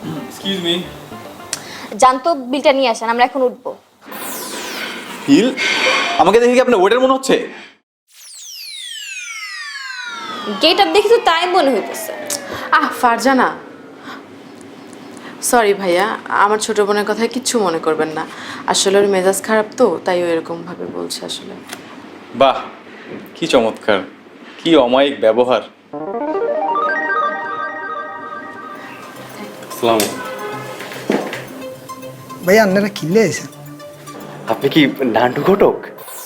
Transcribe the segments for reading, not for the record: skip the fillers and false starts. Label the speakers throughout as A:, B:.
A: Excuse me.
B: জানতো বিলটা নিয়ে আসেন, আমরা এখন উঠবো।
A: বিল? আমাকে দেখে কি আপনার ওয়েটার মনে হচ্ছে?
B: গেট আপ দেখি তো তাই মনে হইতেছে।
C: ফারজানা, সরি ভাইয়া, আমার ছোট বোনের কথায় কিচ্ছু মনে করবেন না। আসলে ওর মেজাজ খারাপ তো, তাই ও এরকম ভাবে বলছে আসলে।
A: বাহ, কি চমৎকার, কি অমায়িক ব্যবহার। আসসালামু আলাইকুম।
D: ভাইয়া আপনারা কিনলে আছেন?
E: আপনি কি নান্টু ঘটক?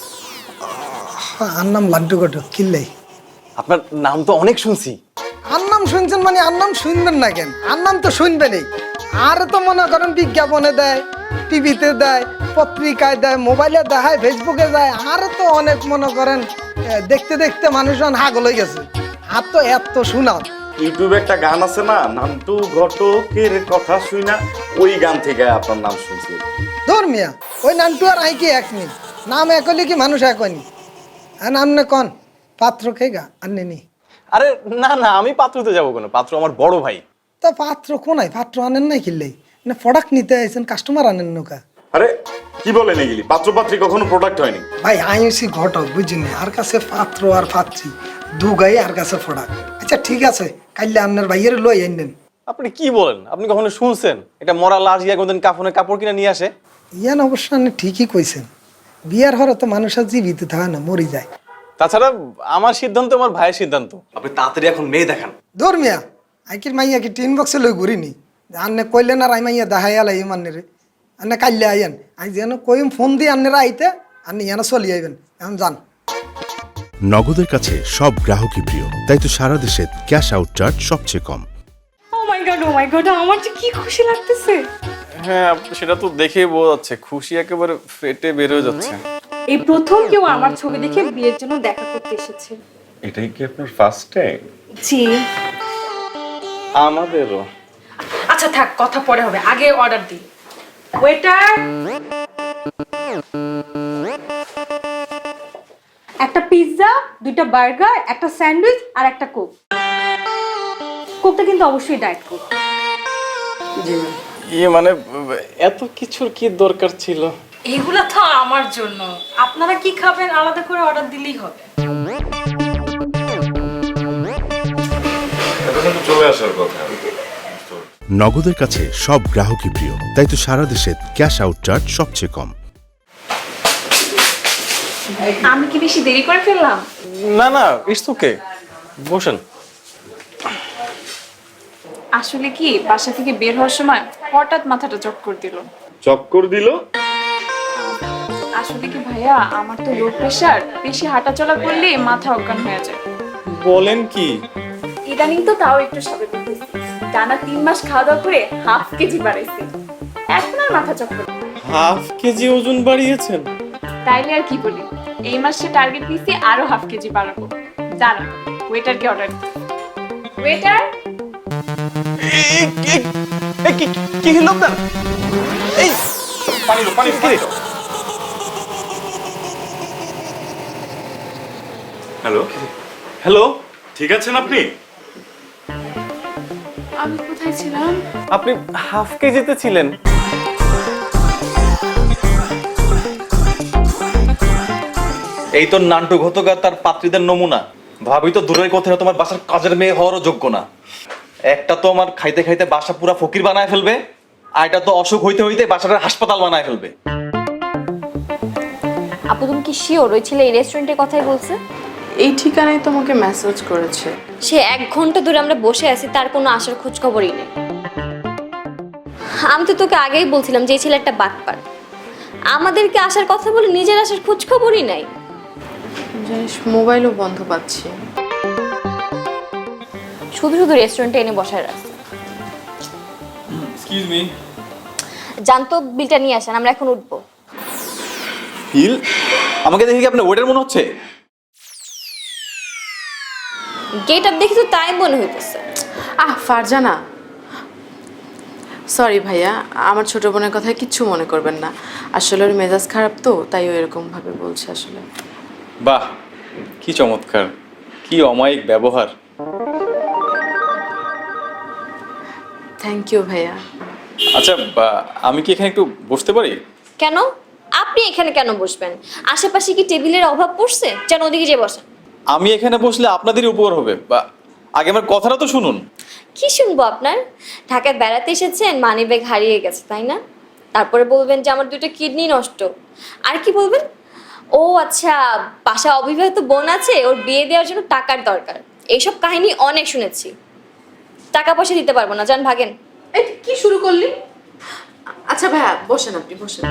D: আর নাম লাড্ডু ঘটক, কিনলেই।
E: আপনার নাম তো অনেক শুনছি।
D: আর নাম শুনছেন মানে আর নাম শুনবেন না কেন? আর নাম তো শুনবেনই। আর তো মনে করেন বিজ্ঞাপনে দেয়, টিভিতে দেয়, পত্রিকায় দেয়, মোবাইলে দেখায়, ফেসবুকে দেয়। আর তো অনেক মনে করেন দেখতে দেখতে মানুষজন হাগল হয়ে গেছে। আর তো এত শোনাও।
F: ইউটিউবে একটা গান আছে না, নান্টু ঘটকের কথা শুই না, ওই গান থেকে আপনার নাম শুনছি।
D: ধর্মিয়া ওই নামটু আর আই কি এক নেই, নাম এক হলে কি মানুষ এক হয়নি? আর নাম না কন পাত্র খেগা আর নেনি।
E: আরে না না, আমি পাত্রতে যাবো কেন? পাত্র আমার বড় ভাই।
D: তা পাত্র কোনায়? পাত্র আনেন নাই কিনলেই না, প্রোডাক্ট নিতে আইছেন, কাস্টমার আনেন নৌকা।
F: আরে কি বলেন এগুলি? পাত্রপাত্রী কখনো প্রোডাক্ট হয়নি।
D: ভাই আইসি ঘটক বুঝিনি, আর কাছে পাত্র আর পাত্রী দু গাই আর কাছে প্রোডাক্ট। আচ্ছা ঠিক আছে, কাইলে আপনার ভাইয়ের লই আইনেন।
E: আপনি কি বলেন? আপনি কখনো শুনছেন এটা মরা লাশ গিয়া কোনদিন কাফনে কাপড় কিনে নিয়ে আসে?
D: ইয়ান অবশ্য আপনি ঠিকই কইছেন, বিয়ার হরে তো মানুষের জীবিত থাকে না, মরি যায়।
E: তাছাড়া আমার সিদ্ধান্ত আমার ভাইয়ের সিদ্ধান্ত। আপনি তাড়াতাড়ি এখন মেয়ে দেখান।
D: ধর্মিয়া আইকির মাইয়া কি টিন বক্সে লই ঘুরিনি? আন্নে কইলেন আর আই মাইয়া দেখাই আলাই মান্নে রে। আন্নে কাইলে আইয়েন, আই যেন কইম ফোন দিয়ে আন্নেরা আইতে, আন্নে ইয়ানা চলি আইবেন। এখন যান।
G: নগদের কাছে সব গ্রাহকই প্রিয়, তাই তো সারা দেশে ক্যাশ আউট চার্জ সবচেয়ে কম।
C: ও মাই গড, আমার যে কি খুশি লাগতেছে।
A: হ্যাঁ, সেটা তো দেখেই বোঝা যাচ্ছে, খুশি একেবারে ফেটে বের হয়ে যাচ্ছে।
C: এই প্রথম কেউ আমার ছবি দেখে বিয়ের জন্য দেখা করতে এসেছে।
F: এটাই কি আপনার ফার্স্ট টাইম?
C: জি।
A: আমাদেরও।
C: আচ্ছা থাক, কথা পরে হবে, আগে অর্ডার দিই। ওয়েটার, একটা পিৎজা, দুইটা বার্গার, একটা স্যান্ডউইচ আর একটা কোক। কোকটা কিন্তু অবশ্যই ডায়েট কোক। জি
A: মানে এত কিছুর কি দরকার ছিল?
C: এগুলা তো আমার জন্য, আপনারা কি খাবেন আলাদা করে অর্ডার দিলেই হবে।
F: এটা কিন্তু চলে আসার কথা।
G: নগদের কাছে সব গ্রাহকই প্রিয়, তাই তো সারা দেশে ক্যাশ আউট চার্জ সবচেয়ে কম।
C: আমি কি বেশি দেরি করে ফেললাম?
E: না না, ইটস ওকে, বসেন।
C: আসলে কি বাসা থেকে বের হওয়ার সময় হঠাৎ মাথাটা চক্কর দিল।
F: চক্কর দিল?
C: আসলে কি ভাইয়া, আমার তো লো প্রেশার, বেশি হাঁটাচলা করলে মাথা অজ্ঞান হয়ে যায়।
A: বলেন কি?
C: ইদানিং তো তাও একটু স্বাভাবিক হয়েছে। টানা 3 মাস খাওয়া দাওয়া করে হাফ কেজি বাড়াইছি, এখন আর মাথা চক্কর।
A: হাফ কেজি ওজন বাড়িয়েছেন?
C: তাইলে আর কি বলি, এই মাসে টার্গেট নিছি আরো হাফ কেজি বাড়াবো। জানো, ওয়েটারকে অর্ডার। ওয়েটার,
E: কি হলো আপনার? এই
F: পানি দাও, পানি দাও। হ্যালো
E: হ্যালো,
F: ঠিক আছেন আপনি?
C: আমি কোথায় ছিলাম?
E: আপনি হাফ কেজিতে ছিলেন। এই তো নান্টু ঘটক আর তার পাত্রীদের নমুনা। ভাবি তো দূরের কথা, তোমার বাসার কাজের মেয়ে হওয়ারও যোগ্য না। একটা তো আমার খাইতে খাইতে বাসা পুরা ফকির বানায় ফেলবে, আর এটা তো অসুখ হইতে হইতে বাসাটা হাসপাতাল বানায় ফেলবে।
B: আপু তুমি কি শিওর ওই ছেলে এই রেস্টুরেন্টের কথাই বলছে?
C: এই ঠিকানায় তোমাকে মেসেজ করেছে।
B: সে 1 ঘন্টা ধরে আমরা বসে আছি, তার কোনো আসার খোঁজ খবরই নেই। আমি তো তোকে আগেই বলছিলাম যে এই ছেলে একটা বাটপার, আমাদেরকে আসার কথা বলে নিজের আসার খোঁজ খবরই নাই।
C: জানিস, মোবাইলও বন্ধ পাচ্ছি।
B: শুধু শুধু রেস্টুরেন্টে এনে বসায় রাখছে।
A: Excuse me.
B: জানতো বিলটা নিয়ে আসেন, আমরা এখন উঠবো।
A: বিল? আমাকে দেখে কি আপনার ওয়েটার মনে হচ্ছে?
B: গেট আপ দেখি তো তাই মনে হইতেছে।
C: ফারজানা, সরি ভাইয়া, আমার ছোট বোনের কথায় কিচ্ছু মনে করবেন না। আসলে ওর মেজাজ খারাপ তো, তাই ও এরকম ভাবে বলছে আসলে।
A: বাহ, কি চমৎকার, কি অমায়িক ব্যবহার।
H: থ্যাংক ইউ ভাইয়া।
A: আচ্ছা আমি কি এখানে একটু বসতে পারি?
B: কেন? আপনি এখানে কেন বসবেন? আশেপাশে কি টেবিলের অভাব পড়ছে? যেন ওদিকে যে বসেন।
A: আমি এখানে বসলে আপনাদেরই উপকার হবে। আগে আমার কথাটা তো শুনুন।
B: কি শুনবো আপনার? ঢাকায় বেড়াতে এসেছেন, মানিব্যাগ হারিয়ে গেছে তাই না? তারপরে বলবেন যে আমার 2টা কিডনি নষ্ট। আর কি বলবেন? ও আচ্ছা, বাসায় অবিবাহিত বোন আছে, ওর বিয়ে দেওয়ার জন্য টাকার দরকার। এইসব কাহিনী অনেক শুনেছি। টাকা পয়সা দিতে পারবো না, যান ভাগেন।
H: এই কি শুরু করলি? আচ্ছা ভাইয়া বসেন, আপনি বসেন।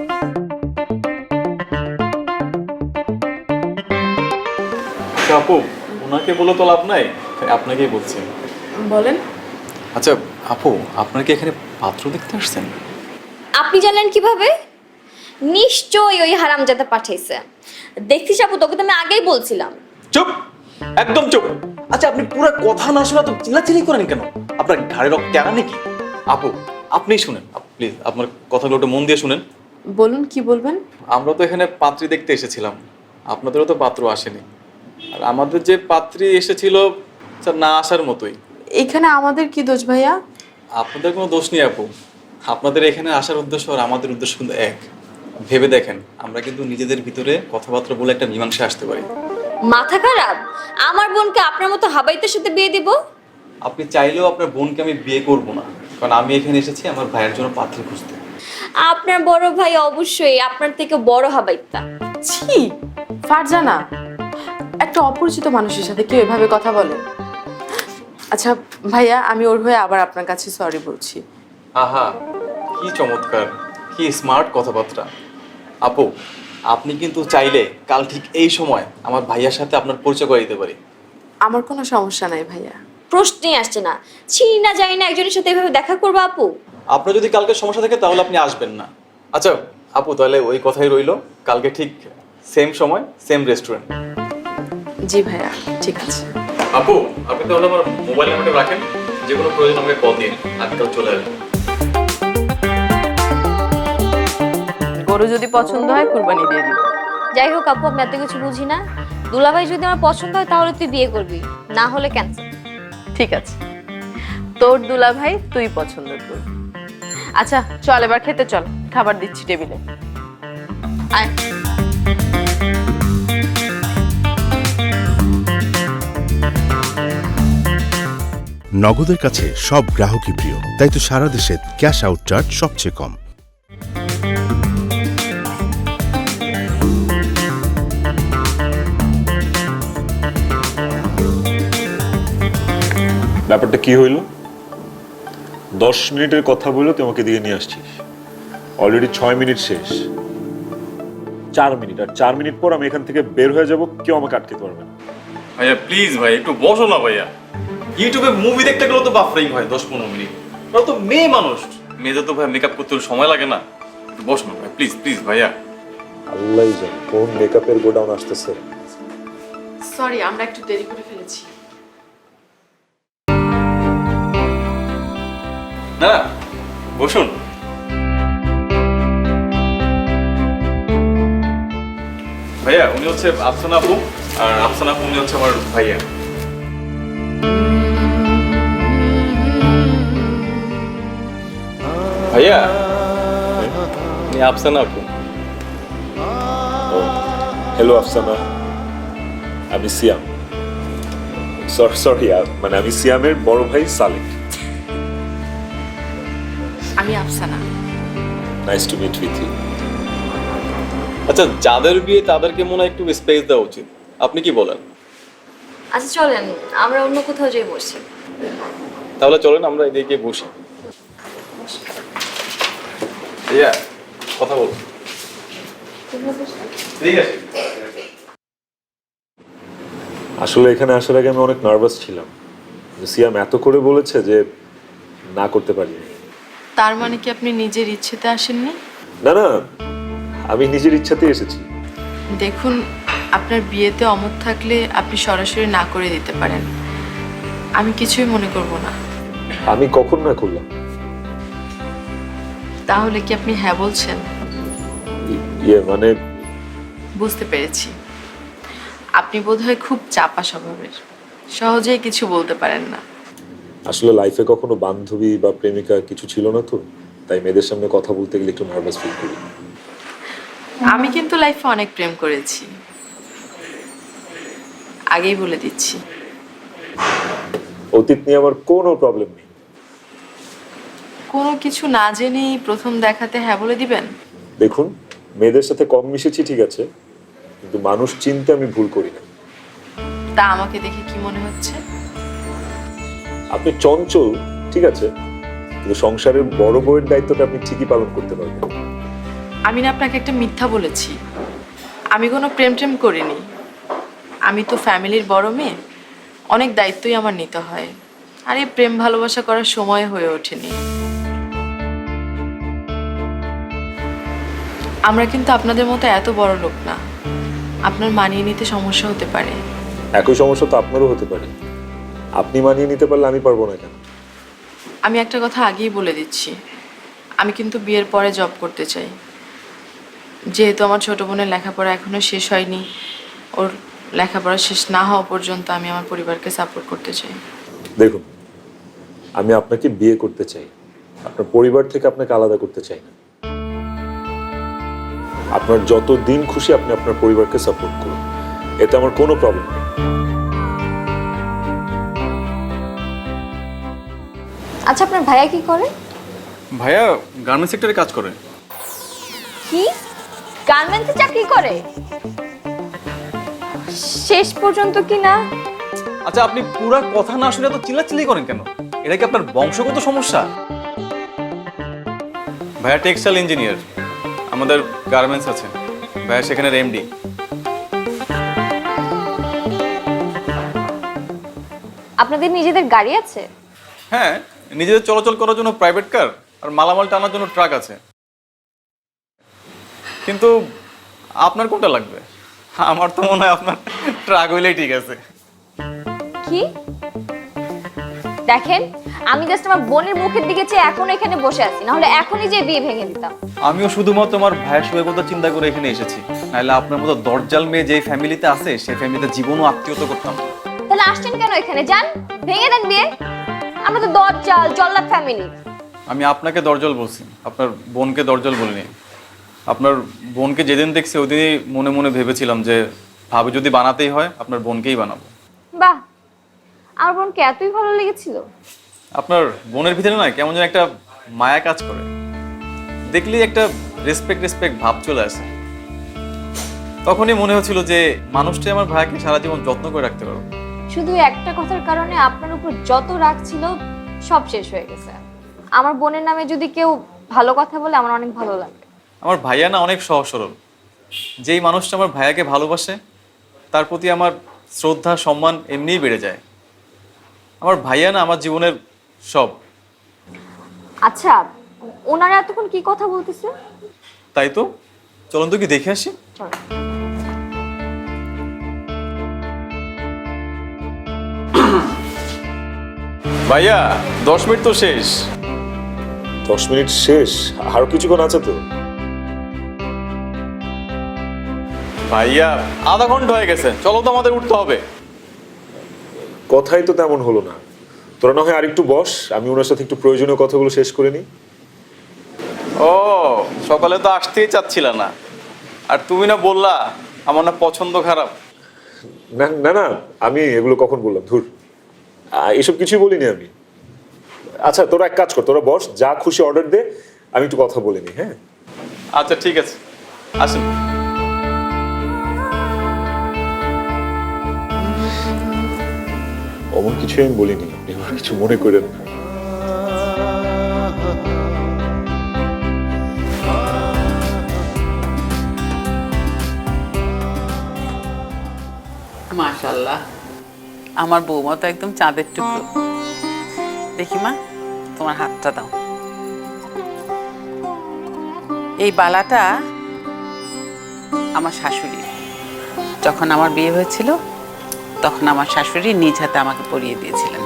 A: আপু ওনাকে বলে তো লাভ নাই, আপনাকেই বলছি।
H: বলেন।
A: আচ্ছা আপু, আপনার কি এখানে পাত্র দেখতে আসছেন?
B: আপনি জানলেন কিভাবে? নিশ্চয়ই ওই হারামজাদা পাঠাইছে। দেখছিস আপু, তোকে তো আমি আগেই বলছিলাম।
E: চুপ, একদম চুপ। আচ্ছা আপনি পুরো কথা না শোনা তো চিল্লাচিল্লি করেন কেন? আপনার ঘাড়ে রক টানা নাকি? আপু আপনিই শুনেন প্লিজ, আপনার কথাগুলো একটু মন দিয়ে শুনেন।
H: বলুন কি বলবেন?
A: আমরা তো এখানে পাত্রী দেখতে এসেছিলাম, আপনাদেরও তো পাত্র আসেনি। আর আমাদের যে পাত্রী এসেছিল স্যার না আসার মতোই।
H: এখানে আমাদের কি দোষ ভাইয়া?
A: আপনাদের কোনো দোষ নেই আপু, আপনাদের এখানে আসার উদ্দেশ্য আর আমাদের উদ্দেশ্য কিন্তু এক। ভেবে দেখেন, আমরা কিন্তু নিজেদের ভিতরে কথাবার্তা বলে একটা মীমাংসা আসতে পারি।
B: মাথা খারাপ? আমার বোনকে আপনার মতো হাবাইতের সাথে বিয়ে দিব?
A: আপনি চাইলেও আপনার বোনকে আমি বিয়ে করব না, কারণ আমি এখানে এসেছি আমার ভাইয়ের জন্য পাত্রী খুঁজতে।
B: আপনার বড় ভাই অবশ্যই আপনার থেকে বড় হাবাইতা।
H: ছি, ফারজানা, একটা অপরিচিত মানুষের সাথে কেউ এভাবে কথা বলে? আচ্ছা ভাইয়া, আমি ওর হয়ে আবার আপনার কাছে সরি বলছি।
A: আহা কি চমৎকার, কি স্মার্ট কথাবার্তা। আপু আপনি কিন্তু চাইলে কাল ঠিক এই সময় আমার ভাইয়ার সাথে আপনার পরিচয় করে দিতে পারি।
H: আমার কোনো সমস্যা নাই ভাইয়া।
B: প্রশ্নই আসছে না, চিনি না জানি না একজনের সাথে এভাবে দেখা করবো আপু?
A: আপনার যদি কালকে সমস্যা থাকে তাহলে আপনি আসবেন না। আচ্ছা আপু, তাহলে ওই কথাই রইলো, কালকে ঠিক সেম সময় সেম রেস্টুরেন্ট।
H: জি ভাইয়া, ঠিক আছে।
A: আপু আপনি তাহলে আমার মোবাইল নাম্বারটা রাখেন, যে কোনো প্রয়োজন আমাকে কল দিন, আজকাল চলে আসবেন।
H: গরু যদি পছন্দ হয় কুরবানি দিয়ে দিব।
B: যাই হোক আপু, আমি এত কিছু বুঝি না। দুলাভাই যদি আমার পছন্দ হয় তাহলে তুই বিয়ে করবি, না হলে ক্যান্সেল।
H: ঠিক আছে, তোর দুলা ভাই তুই পছন্দ কর। আচ্ছা চল এবার খেতে চল, খাবার দিচ্ছি টেবিলে। আয়।
G: নগদের কাছে সব গ্রাহকই প্রিয়, তাই তো সারা দেশে ক্যাশ আউট চার্জ সবচেয়ে কম।
I: ব্যাপারটা কি হইল? 10 মিনিটের কথা বলে তোমাকে দিয়ে নিয়ে আসছিস, অলরেডি 6 মিনিট শেষ। 4 মিনিট, আর 4 মিনিট পর আমি এখান থেকে বের হয়ে যাব, কেউ আমাকে আটকে পারবে না।
A: ভাইয়া প্লিজ ভাই একটু বসো না ভাইয়া। ইউটিউবে মুভি দেখতে গেলে তো বাফরিং হয় 10-15 মিনিট। ওরা তো মেয়ে মানুষ, মেয়েদের তো ভাই মেকআপ করতে সময় লাগে না। একটু বসো না ভাই, প্লিজ প্লিজ ভাইয়া।
I: আল্লাহই জানে কোন মেকআপের গোডাউন আসতেছে।
H: সরি, আমরা একটু দেরি করে ফেলেছি।
A: না বসুন। ভাইয়া উনি হচ্ছে আফসানা আপু, আর আফসানা আপু উনি হচ্ছে আমার ভাইয়া। ভাইয়া উনি আফসানা আপু।
I: হ্যালো আফসানা, আমি সিয়াম। সরি মানে আমি সিয়ামের বড় ভাই সালেক।
H: আমি Afsana.
I: Nice to meet with you.
A: আচ্ছা যাদের বিয়ে তাদেরকে মনে হয় একটু স্পেস দেওয়া উচিত, আপনি কি বলেন?
B: আচ্ছা চলেন আমরা অন্য কোথাও যাই বসি।
A: তাহলে চলেন আমরা এদিকে বসি। ভাইয়া কথা বল। ঠিক আছে।
I: আসলে এখানে আসার আগে আমি অনেক নার্ভাস ছিলাম, সিয়াম এত করে বলেছে যে না করতে পারিনি।
H: তার মানে কি আপনি নিজের ইচ্ছেতে আসেননি?
I: না না, আমি নিজের ইচ্ছাতেই এসেছি।
H: দেখুন, আপনার বিয়েতে অমত থাকলে আপনি সরাসরি না করে দিতে পারেন, আমি কিছুই মনে করব না।
I: আমি কখন না করলাম?
H: তাহলে কি আপনি হ্যাঁ বলছেন?
I: মানে
H: বুঝতে পেরেছি, আপনি বোধহয় খুব চাপা স্বভাবের, সহজেই কিছু বলতে পারেন না।
I: আসলে লাইফে কখনো বান্ধবী বা প্রেমিকা কিছু ছিল না তো, তাই মেয়েদের সামনে কথা বলতে গেলে একটু নার্ভাস ফিল করি।
H: আমি কিন্তু লাইফে অনেক প্রেম করেছি, আগেই বলে দিচ্ছি।
I: অতীত নিয়ে আমার কোনো প্রবলেম নেই।
H: কোনো কিছু না জেনেই প্রথম দেখাতে হ্যাঁ বলে দিবেন?
I: দেখুন, মেয়েদের সাথে কম মিশেছি ঠিক আছে, কিন্তু মানুষ চিনতে আমি ভুল করি না।
H: তা আমাকে দেখে কি মনে হচ্ছে?
I: আপনি চঞ্চল ঠিক আছে, কিন্তু সংসারের বড় বউয়ের দায়িত্বটা আপনি ঠিকই পালন করতে পারবেন।
H: আমি না আপনাকে একটা মিথ্যা বলেছি। আমি কোনো প্রেম টেম করিনি। আমি তো ফ্যামিলির বড় মেয়ে, অনেক দায়িত্বই আমার নিতে হয়। আর এই প্রেম ভালোবাসা করার সময় হয়ে ওঠেনি। আমরা কিন্তু আপনাদের মতো এত বড় লোক না, আপনার মানিয়ে নিতে সমস্যা হতে পারে।
I: একই সমস্যা তো আপনারও হতে পারে। আপনি মানিয়ে নিতে পারলে আমি পারবো না কেন?
H: আমি একটা কথা আগেই বলে দিচ্ছি, আমি কিন্তু বিয়ের পরে জব করতে চাই। যেহেতু আমার ছোট বোনের লেখাপড়া এখনো শেষ হয়নি, ওর লেখাপড়া শেষ না হওয়া পর্যন্ত আমি আমার পরিবারকে সাপোর্ট করতে চাই।
I: দেখুন, আমি আপনাকে বিয়ে করতে চাই, আপনার পরিবার থেকে আপনাকে আলাদা করতে চাই না। আপনার যত দিন খুশি আপনি আপনার পরিবারকে সাপোর্ট করুন, এতে আমার কোনো প্রবলেম নেই।
B: আচ্ছা আপনার ভাইয়া কি করে?
A: ভাইয়া গার্মেন্টস সেক্টরে কাজ করে।
B: কি গার্মেন্টসে চাকরি করে? শেষ পর্যন্ত কি না?
A: আচ্ছা আপনি পুরা কথা না শুনে তো চিল্লাচিল্লি করেন কেন? এটা কি আপনার বংশগত সমস্যা? ভাইয়া টেক্সটাইল ইঞ্জিনিয়ার, আমাদের গার্মেন্টস আছে, ভাইয়া সেখানের এমডি।
B: আপনাদের নিজেদের গাড়ি আছে?
A: হ্যাঁ, নিজেদের চলাচল করার জন্য প্রাইভেট কার আর মালামাল টানার জন্য ট্রাক আছে। কিন্তু আপনার কোনটা লাগবে? আমার তো মনে হয় আপনার ট্রাক হইলেই ঠিক আছে।
B: কি দেখেন, আমি জাস্ট আমার বোনের মুখের দিকে চেয়ে এখন এখানে বসে আছি, না হলে এখনই যে বিয়ে ভেঙে দিতাম।
A: আমিও শুধুমাত্র আমার ভাইয়ের সুখের কথা চিন্তা করে এখানে এসেছি, নাহলে আপনার মতো দরজাল মেয়ে যে ফ্যামিলিতে আছে সেই ফ্যামিলিতে জীবনও আত্মীয়তা করতাম।
B: তাহলে আসছেন কেন এখানে? যান ভেঙে দেন বিয়ে। আমরা তো দরজাল জল্লাদ ফ্যামিলি।
A: আমি আপনাকে দরজাল বলছি, আপনার বোনকে দরজাল বলিনি। আপনার বোনকে যেদিন দেখছি ওদিনই মনে মনে ভেবেছিলাম যে ভাবি যদি বানাতেই হয় আপনার বোনকেই বানাবো।
B: বাহ, আমার বোনকে এতই ভালো লেগেছিল?
A: আপনার বোনের ভিতরে না কেমন যেন একটা মায়া কাজ করে, দেখলেই একটা রেসপেক্ট ভাব চলে আসে। তখনই মনে হচ্ছিল যে মানুষটাই আমার ভাইকে সারা জীবন যত্ন করে রাখতে পারবো।
B: শুধু একটা কথার কারণে আপনার উপর যত রাগ ছিল সব শেষ হয়ে গেছে। আমার বোনের নামে যদি কেউ ভালো কথা বলে আমার অনেক ভালো লাগে।
A: আমার ভাইয়া না অনেক সহজ সরল। যেই মানুষটা আমার ভাইয়াকে ভালোবাসে তার প্রতি আমার শ্রদ্ধা সম্মান এমনিই বেড়ে যায়। আমার ভাইয়া না আমার জীবনের সব।
B: আচ্ছা, ওনারা এতক্ষণ কি কথা বলতেছে?
A: তাই তো, চলুন তো কি দেখে আসি।
B: চলো।
A: ভাইয়া 10 মিনিট তো শেষ।
I: 10 মিনিট শেষ? আরো কিছুক্ষণ আছে তো।
A: ভাইয়া আধা ঘন্টা হয়ে গেছে, চলো তো আমাদের উঠতে হবে।
I: কথাই তো তেমন হলো না। তোরা না হয় আরেকটু বস, আমি ওনার সাথে একটু প্রয়োজনীয় কথাগুলো শেষ করে নিই।
A: ও সকালে তো আসতেই চাচ্ছিল না, আর তুমি না বললা আমার না পছন্দ খারাপ।
I: না না না, আমি এগুলো কখন বললাম? ধুর, এসব কিছুই বলিনি আমি। আচ্ছা তোরা এক কাজ কর, তোরা বস, যা খুশি অর্ডার দে, আমি একটু কথা বলে নিই। হ্যাঁ
A: আচ্ছা ঠিক আছে, আসুন।
I: অমন কিছু আমি বলিনি, আপনি আমার কিছু মনে করেন না।
J: মাশাআল্লাহ, আমার বৌমা তো একদম চাঁদের টুকরো। দেখি মা, তোমার হাতটা দাও। এই বালাটা আমার শাশুড়ি, যখন আমার বিয়ে হয়েছিল তখন আমার শাশুড়ি নিজ হাতে আমাকে পরিয়ে দিয়েছিলেন।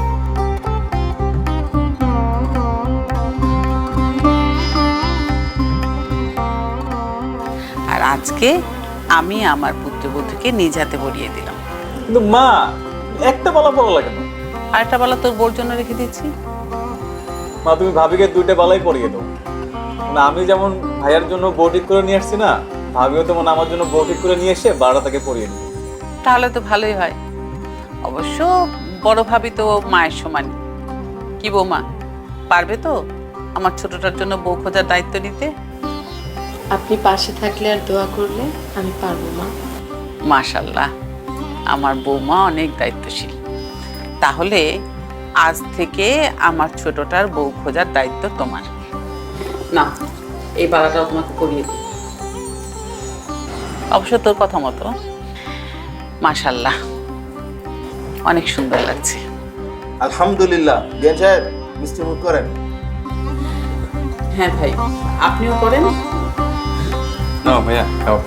J: আর আজকে আমি আমার পুত্রবধূকে নিজ হাতে পরিয়ে দিলাম।
A: কিন্তু মা, একটা বলা পড়া লাগে না।
J: আরেকটা বালা তোর বোর জন্য রেখে দিচ্ছি।
A: মা তুমি ভাবিকে 2টা বালাই পরিয়ে দাও। না আমি যেমন ভাইয়ার জন্য বউ ঠিক করে নিয়ে আসছি না, ভাবিও তেমন আমার জন্য বউ ঠিক করে নিয়ে এসে 12টা তাকে পরিয়ে দিবে।
J: তাহলে তো ভালোই হয়। অবশ্য বড় ভাবি তো মায়ের সমান। কি বৌমা, পারবে তো আমার ছোটটার জন্য বউ খোঁজার দায়িত্ব নিতে?
H: আপনি পাশে থাকলে আর দোয়া করলে আমি পারবো মা।
J: মাশাল্লাহ, আমার বৌমা অনেক দায়িত্বশীল। তাহলে আজ থেকে আমার ছোটটার বউ খোঁজার দায়িত্ব তোমার। না, এই বালাটাও তোমাকে করিয়ে দিই। অবশ্য তোর কথা মতো মাশাল্লাহ অনেক সুন্দর লাগছে।
E: আলহামদুলিল্লাহ। বিয়ান সাহেব মিষ্টি মুখ করেন।
J: হ্যাঁ ভাই, আপনিও করেন।
A: না ভাইয়া খাও।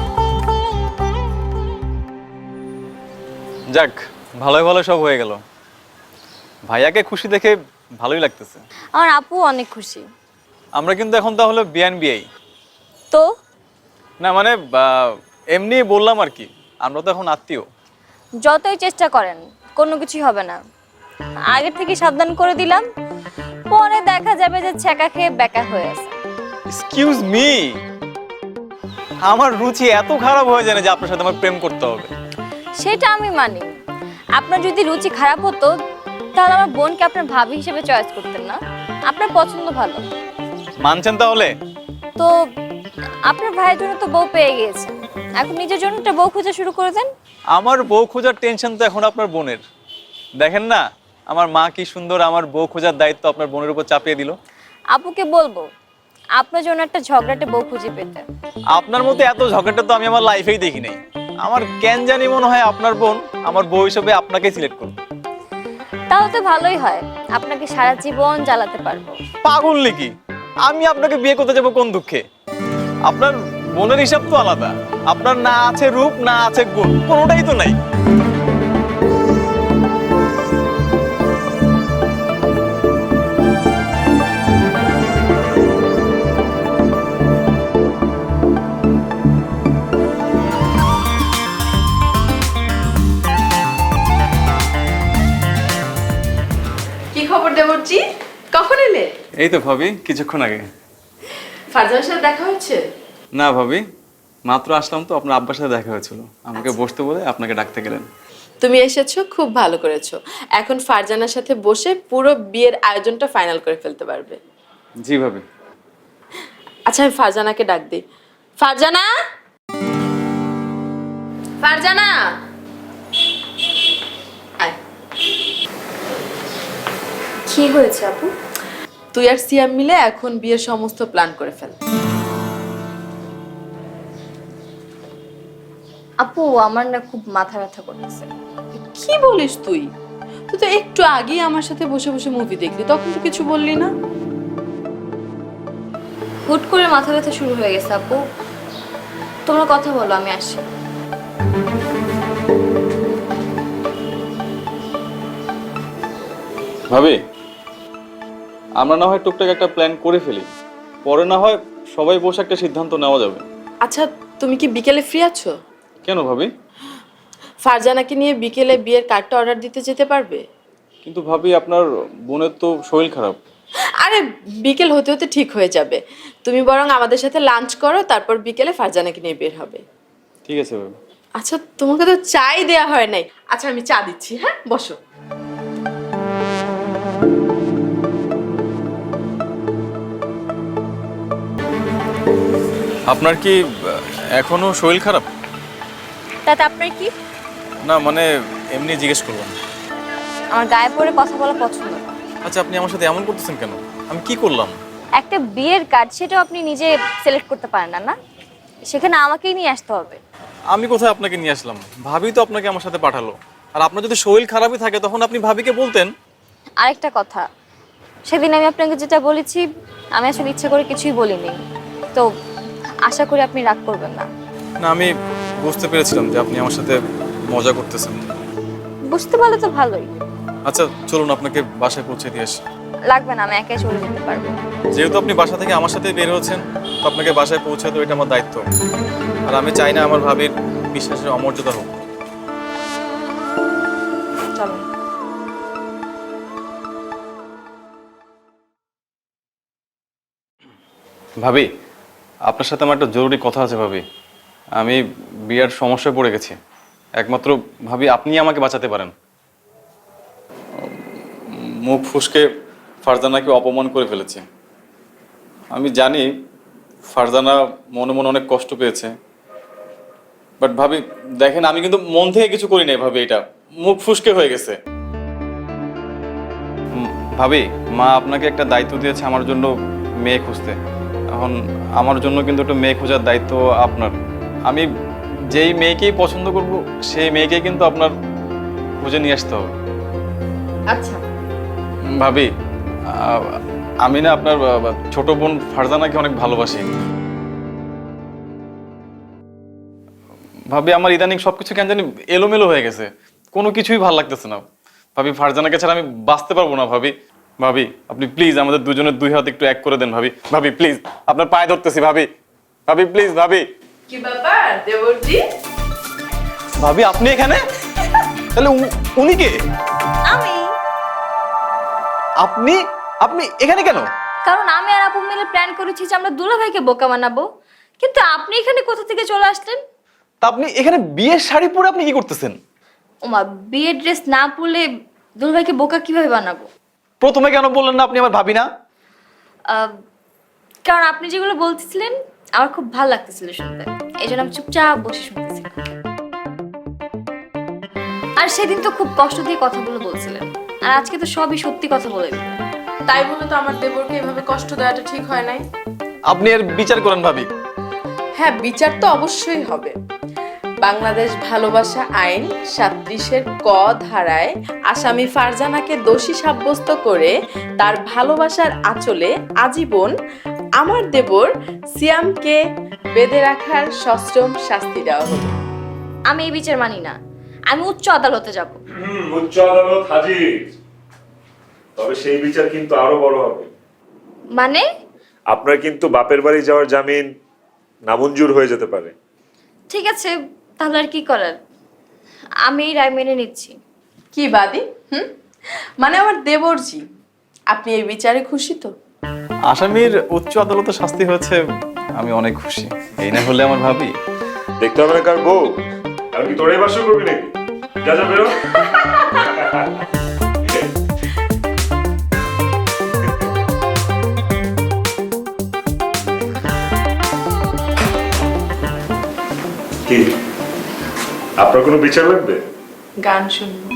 A: যাক, ভালোই ভালো সব হয়ে গেল। ভাইয়াকে খুশি দেখে ভালোই লাগতেছে।
B: আমার আপু অনেক খুশি।
A: আমরা কিন্তু এখন তাহলে বিআই।
B: তো
A: না মানে এমনি বললাম আর কি, আমরা তো এখন আত্মীয়।
B: যতই চেষ্টা করেন কোনো কিছুই হবে না। আগে থেকে সাবধান করে দিলাম, পরে দেখা যাবে যে ছেঁকা খেয়ে বেকা হয়ে আছে।
A: এক্সকিউজ মি, আমার রুচি এত খারাপ হয়ে যায় না যে আপনার সাথে আমার প্রেম করতে হবে?
B: সেটা আমি মানি। আপনার যদি রুচি খারাপ হতো তাহলে আমার বোনকে আপনার ভাবি হিসেবে চয়েস করতেন না। আপনার পছন্দ ভালো।
A: মানছেন তাহলে?
B: তো আপনার ভাইয়ের জন্য তো বউ পেয়ে গিয়েছেন, এখন নিজের জন্য একটা বউ খোঁজা শুরু করে দেন।
A: আমার বউ খোঁজার টেনশন তো এখন আপনার বোনের। দেখেন না আমার মা কি সুন্দর আমার বউ খোঁজার দায়িত্ব আপনার বোনের উপর চাপিয়ে দিল।
B: আপুকে বলবো আপনার জন্য একটা ঝগড়াটে বউ খুঁজে পেতে।
A: আপনার মতো এত ঝগড়াটা তো আমি আমার লাইফেই দেখি নাই। আমার কেন জানি মনে হয় আপনার বোন আমার বউ হিসেবে আপনাকে সিলেক্ট করবে।
B: তাও তো ভালোই হয়, আপনাকে সারা জীবন জ্বালাতে পারবো।
A: পাগল নাকি? আমি আপনাকে বিয়ে করতে যাবো কোন দুঃখে? আপনার বোনের হিসাব তো আলাদা। আপনার না আছে রূপ, না আছে গুণ, কোনোটাই তো নাই।
H: কি খবর দেবরজি, কখন এলে?
A: এই তো ভাবি কিছুক্ষণ আগে।
H: ফারজানের সাথে দেখা হয়েছে?
A: না ভাবি, মাত্র আসলাম তো, আপনার আব্বার সাথে দেখা হয়েছিল, আমাকে বসতে বলে আপনাকে ডাকতে গেলেন।
H: তুমি এসেছো, খুব ভালো করেছো। এখন ফারজানার সাথে বসে পুরো বিয়ের আয়োজনটা ফাইনাল করে ফেলতে পারবে।
A: জি ভাবি।
H: আচ্ছা আমি ফারজানাকে ডাক দিই। ফারজানা, ফারজানা আয়।
B: কি হয়েছে আপু?
H: তুই আর সিয়াম মিলে এখন বিয়ের সমস্ত প্ল্যান করে ফেল।
B: আপু আমার না খুব মাথা ব্যথা করতেছে।
H: কি বলিস তুই? তুই তো একটু আগেই আমার সাথে বসে বসে মুভি দেখলি, তখন তো কিছু বললি না।
B: হুট করে মাথা ব্যথা শুরু হয়ে গেছে আপু। তোমরা কথা বলো, আমি আসি।
A: ভাবি আমরা না হয় টুকটাক একটা প্ল্যান করে ফেলি, পরে না হয় সবাই বসে একটা সিদ্ধান্ত নেওয়া যাবে।
H: আচ্ছা তুমি কি বিকেলে ফ্রি আছো?
A: কেন ভাবি?
H: ফারজানাকে নিয়ে বিকেলে বিয়ের কার্ডটা অর্ডার দিতে যেতে পারবে?
A: কিন্তু ভাবি আপনার বোনের তো শরীর খারাপ।
H: আরে বিকেল হতে হতে ঠিক হয়ে যাবে। তুমি বরং আমাদের সাথে লাঞ্চ করো, তারপর বিকেলে ফারজানাকে নিয়ে বের হবে।
A: ঠিক আছে ভাবি।
H: আচ্ছা তোমাকে তো চাই দেয়া হয় নাই। আচ্ছা আমি চা দিচ্ছি, হ্যাঁ বসো।
A: আপনার কি এখনো শরীর খারাপ?
B: তাতে আপনার কি?
A: না মানে এমনি জিজ্ঞেস করলাম।
B: আমার গায়ে পড়ে কথা বলা পছন্দ না।
A: আচ্ছা আপনি আমার সাথে এমন করতেছেন কেন? আমি কি করলাম?
B: একটা বিয়ের কার্ড সেটাও আপনি নিজে সিলেক্ট করতে পারেন না, না? সেখানে আমাকেই নিয়ে আসতে হবে।
A: আমি কোথায় আপনাকে নিয়ে আসলাম? ভাবি তো আপনাকে আমার সাথে পাঠালো। আর আপনার যদি শরীর খারাপই থাকে তখন আপনি ভাবিকে বলতেন।
B: আরেকটা কথা, সেদিন আমি আপনাকে যেটা বলেছি আমি আসলে ইচ্ছা করে কিছুই বলিনি, তো আশা করি আপনি রাগ করবেন না।
A: না আমি বুঝতে পেরেছিলাম যে আপনি আমার সাথে মজা করতেছেন।
B: বুঝতে পারলে তো ভালোই।
A: আচ্ছা চলুন আপনাকে বাসায় পৌঁছে দিয়ে আসি।
B: লাগবে না, আমি একাই চলে যেতে পারবো।
A: যেহেতু আপনি বাসা থেকে আমার সাথে বের হচ্ছেন, তো আপনাকে বাসায় পৌঁছে তো এটা আমার দায়িত্ব। আর আমি চাই না আমার ভাবির বিশ্বাসের অমর্যাদা হোক।
B: চলো।
A: ভাবি, আপনার সাথে আমার একটা জরুরি কথা আছে ভাবি। আমি বিয়ার সমস্যায় পড়ে গেছি, একমাত্র ভাবি আপনি আমাকে বাঁচাতে পারেন। মুখ ফুসকে ফারজানাকে অপমান করে ফেলেছে। আমি জানি ফারজানা মনে মনে অনেক কষ্ট পেয়েছে, বাট ভাবি দেখেন আমি কিন্তু মন থেকে কিছু করি নাই ভাবি, এটা মুখ ফুসকে হয়ে গেছে। ভাবি, মা আপনাকে একটা দায়িত্ব দিয়েছে আমার জন্য মেয়ে খুঁজতে। এখন আমার জন্য কিন্তু একটা মেয়ে খোঁজার দায়িত্ব আপনার। আমি যেই মেয়েকেই পছন্দ করব সেই মেয়েকেই কিন্তু আপনার খুঁজে নিয়ে আসতে হবে।
H: আচ্ছা,
A: ভাবি, আমি না আপনার ছোট বোন ফারজানাকে অনেক ভালোবাসি। ভাবি আমার ইদানিং সবকিছু কেন জানি এলোমেলো হয়ে গেছে, কোনো কিছুই ভালো লাগতেছে না। ভাবি ফারজানাকে ছাড়া আমি বাঁচতে পারবো না। ভাবি ভাবি আপনি প্লিজ আমাদের দুজনের দুই হাত একটু এক করে দেন ভাবি। ভাবি প্লিজ, আপনার পায়ে ধরতেছি ভাবি। ভাবি প্লিজ ভাবি।
H: কি ব্যাপার দেবরজি?
A: ভাবি আপনি এখানে? তাহলে উনি কে?
B: আমি।
A: আপনি আপনি এখানে কেন?
B: কারণ আমি আর আপু মিলে প্ল্যান করেছি যে আমরা দুলাভাইকে বোকা বানাবো, কিন্তু আপনি এখানে কোথা থেকে চলে আসলেন?
A: তা আপনি এখানে বিয়ের শাড়ি পরে আপনি কি করতেছেন?
B: ওমা, বিয়ের ড্রেস না পরলে দুলাভাইকে বোকা কিভাবে বানাবো?
A: প্রথমে কেন বললেন না আপনি আমার ভাবি না?
B: কারণ আপনি যেগুলো বলতেছিলেন আমার খুব ভালো লাগতেছিল শুনতে, এই জন্য আমি চুপচাপ বসে শুনতেছি। আর সেদিন তো খুব কষ্ট দিয়ে কথাগুলো বলছিলেন, আর আজকে তো সবই সত্যি কথা বলে দিলেন।
H: তাই বলে তো আমার দেবরকে এভাবে কষ্ট দেওয়াটা ঠিক হয় নাই।
A: আপনি এর বিচার করেন ভাবি।
H: হ্যাঁ, বিচার তো অবশ্যই হবে। বাংলাদেশ ভালোবাসা আইন 37-এর ক ধারায় আসামি ফারজানাকে দোষী সাব্যস্ত করে তার ভালোবাসার আঁচলে আজীবন আমার দেবর সিয়ামকে বেঁধে রাখার সশ্রম শাস্তি দেওয়া হলো।
B: আমি এই বিচার মানি না, আমি উচ্চ আদালতে যাব।
I: উচ্চ আদালত হাজির। তবে সেই বিচার কিন্তু আরো বড় হবে।
B: মানে?
I: আপনার কিন্তু বাপের বাড়ি যাওয়ার জামিন নামঞ্জুর হয়ে যেতে পারে।
B: ঠিক আছে, তাহলে আর কি করার, আমি এই রায় মেনে নিচ্ছি।
H: কি বাদী? মানে আমার দেবরজি, আপনি এই বিচারে খুশি তো?
A: আসামির উচ্চ আদালতে শাস্তি হয়েছে, আমি অনেক খুশি। এই না হলে আমার ভাবি।
I: দেখতে হবে না কার বউ, আর কি তোরাই বাসর করবি নাকি? যা যা বেরো। কি আপনার কোনো বিচার লাগবে?
H: গান শুনবো।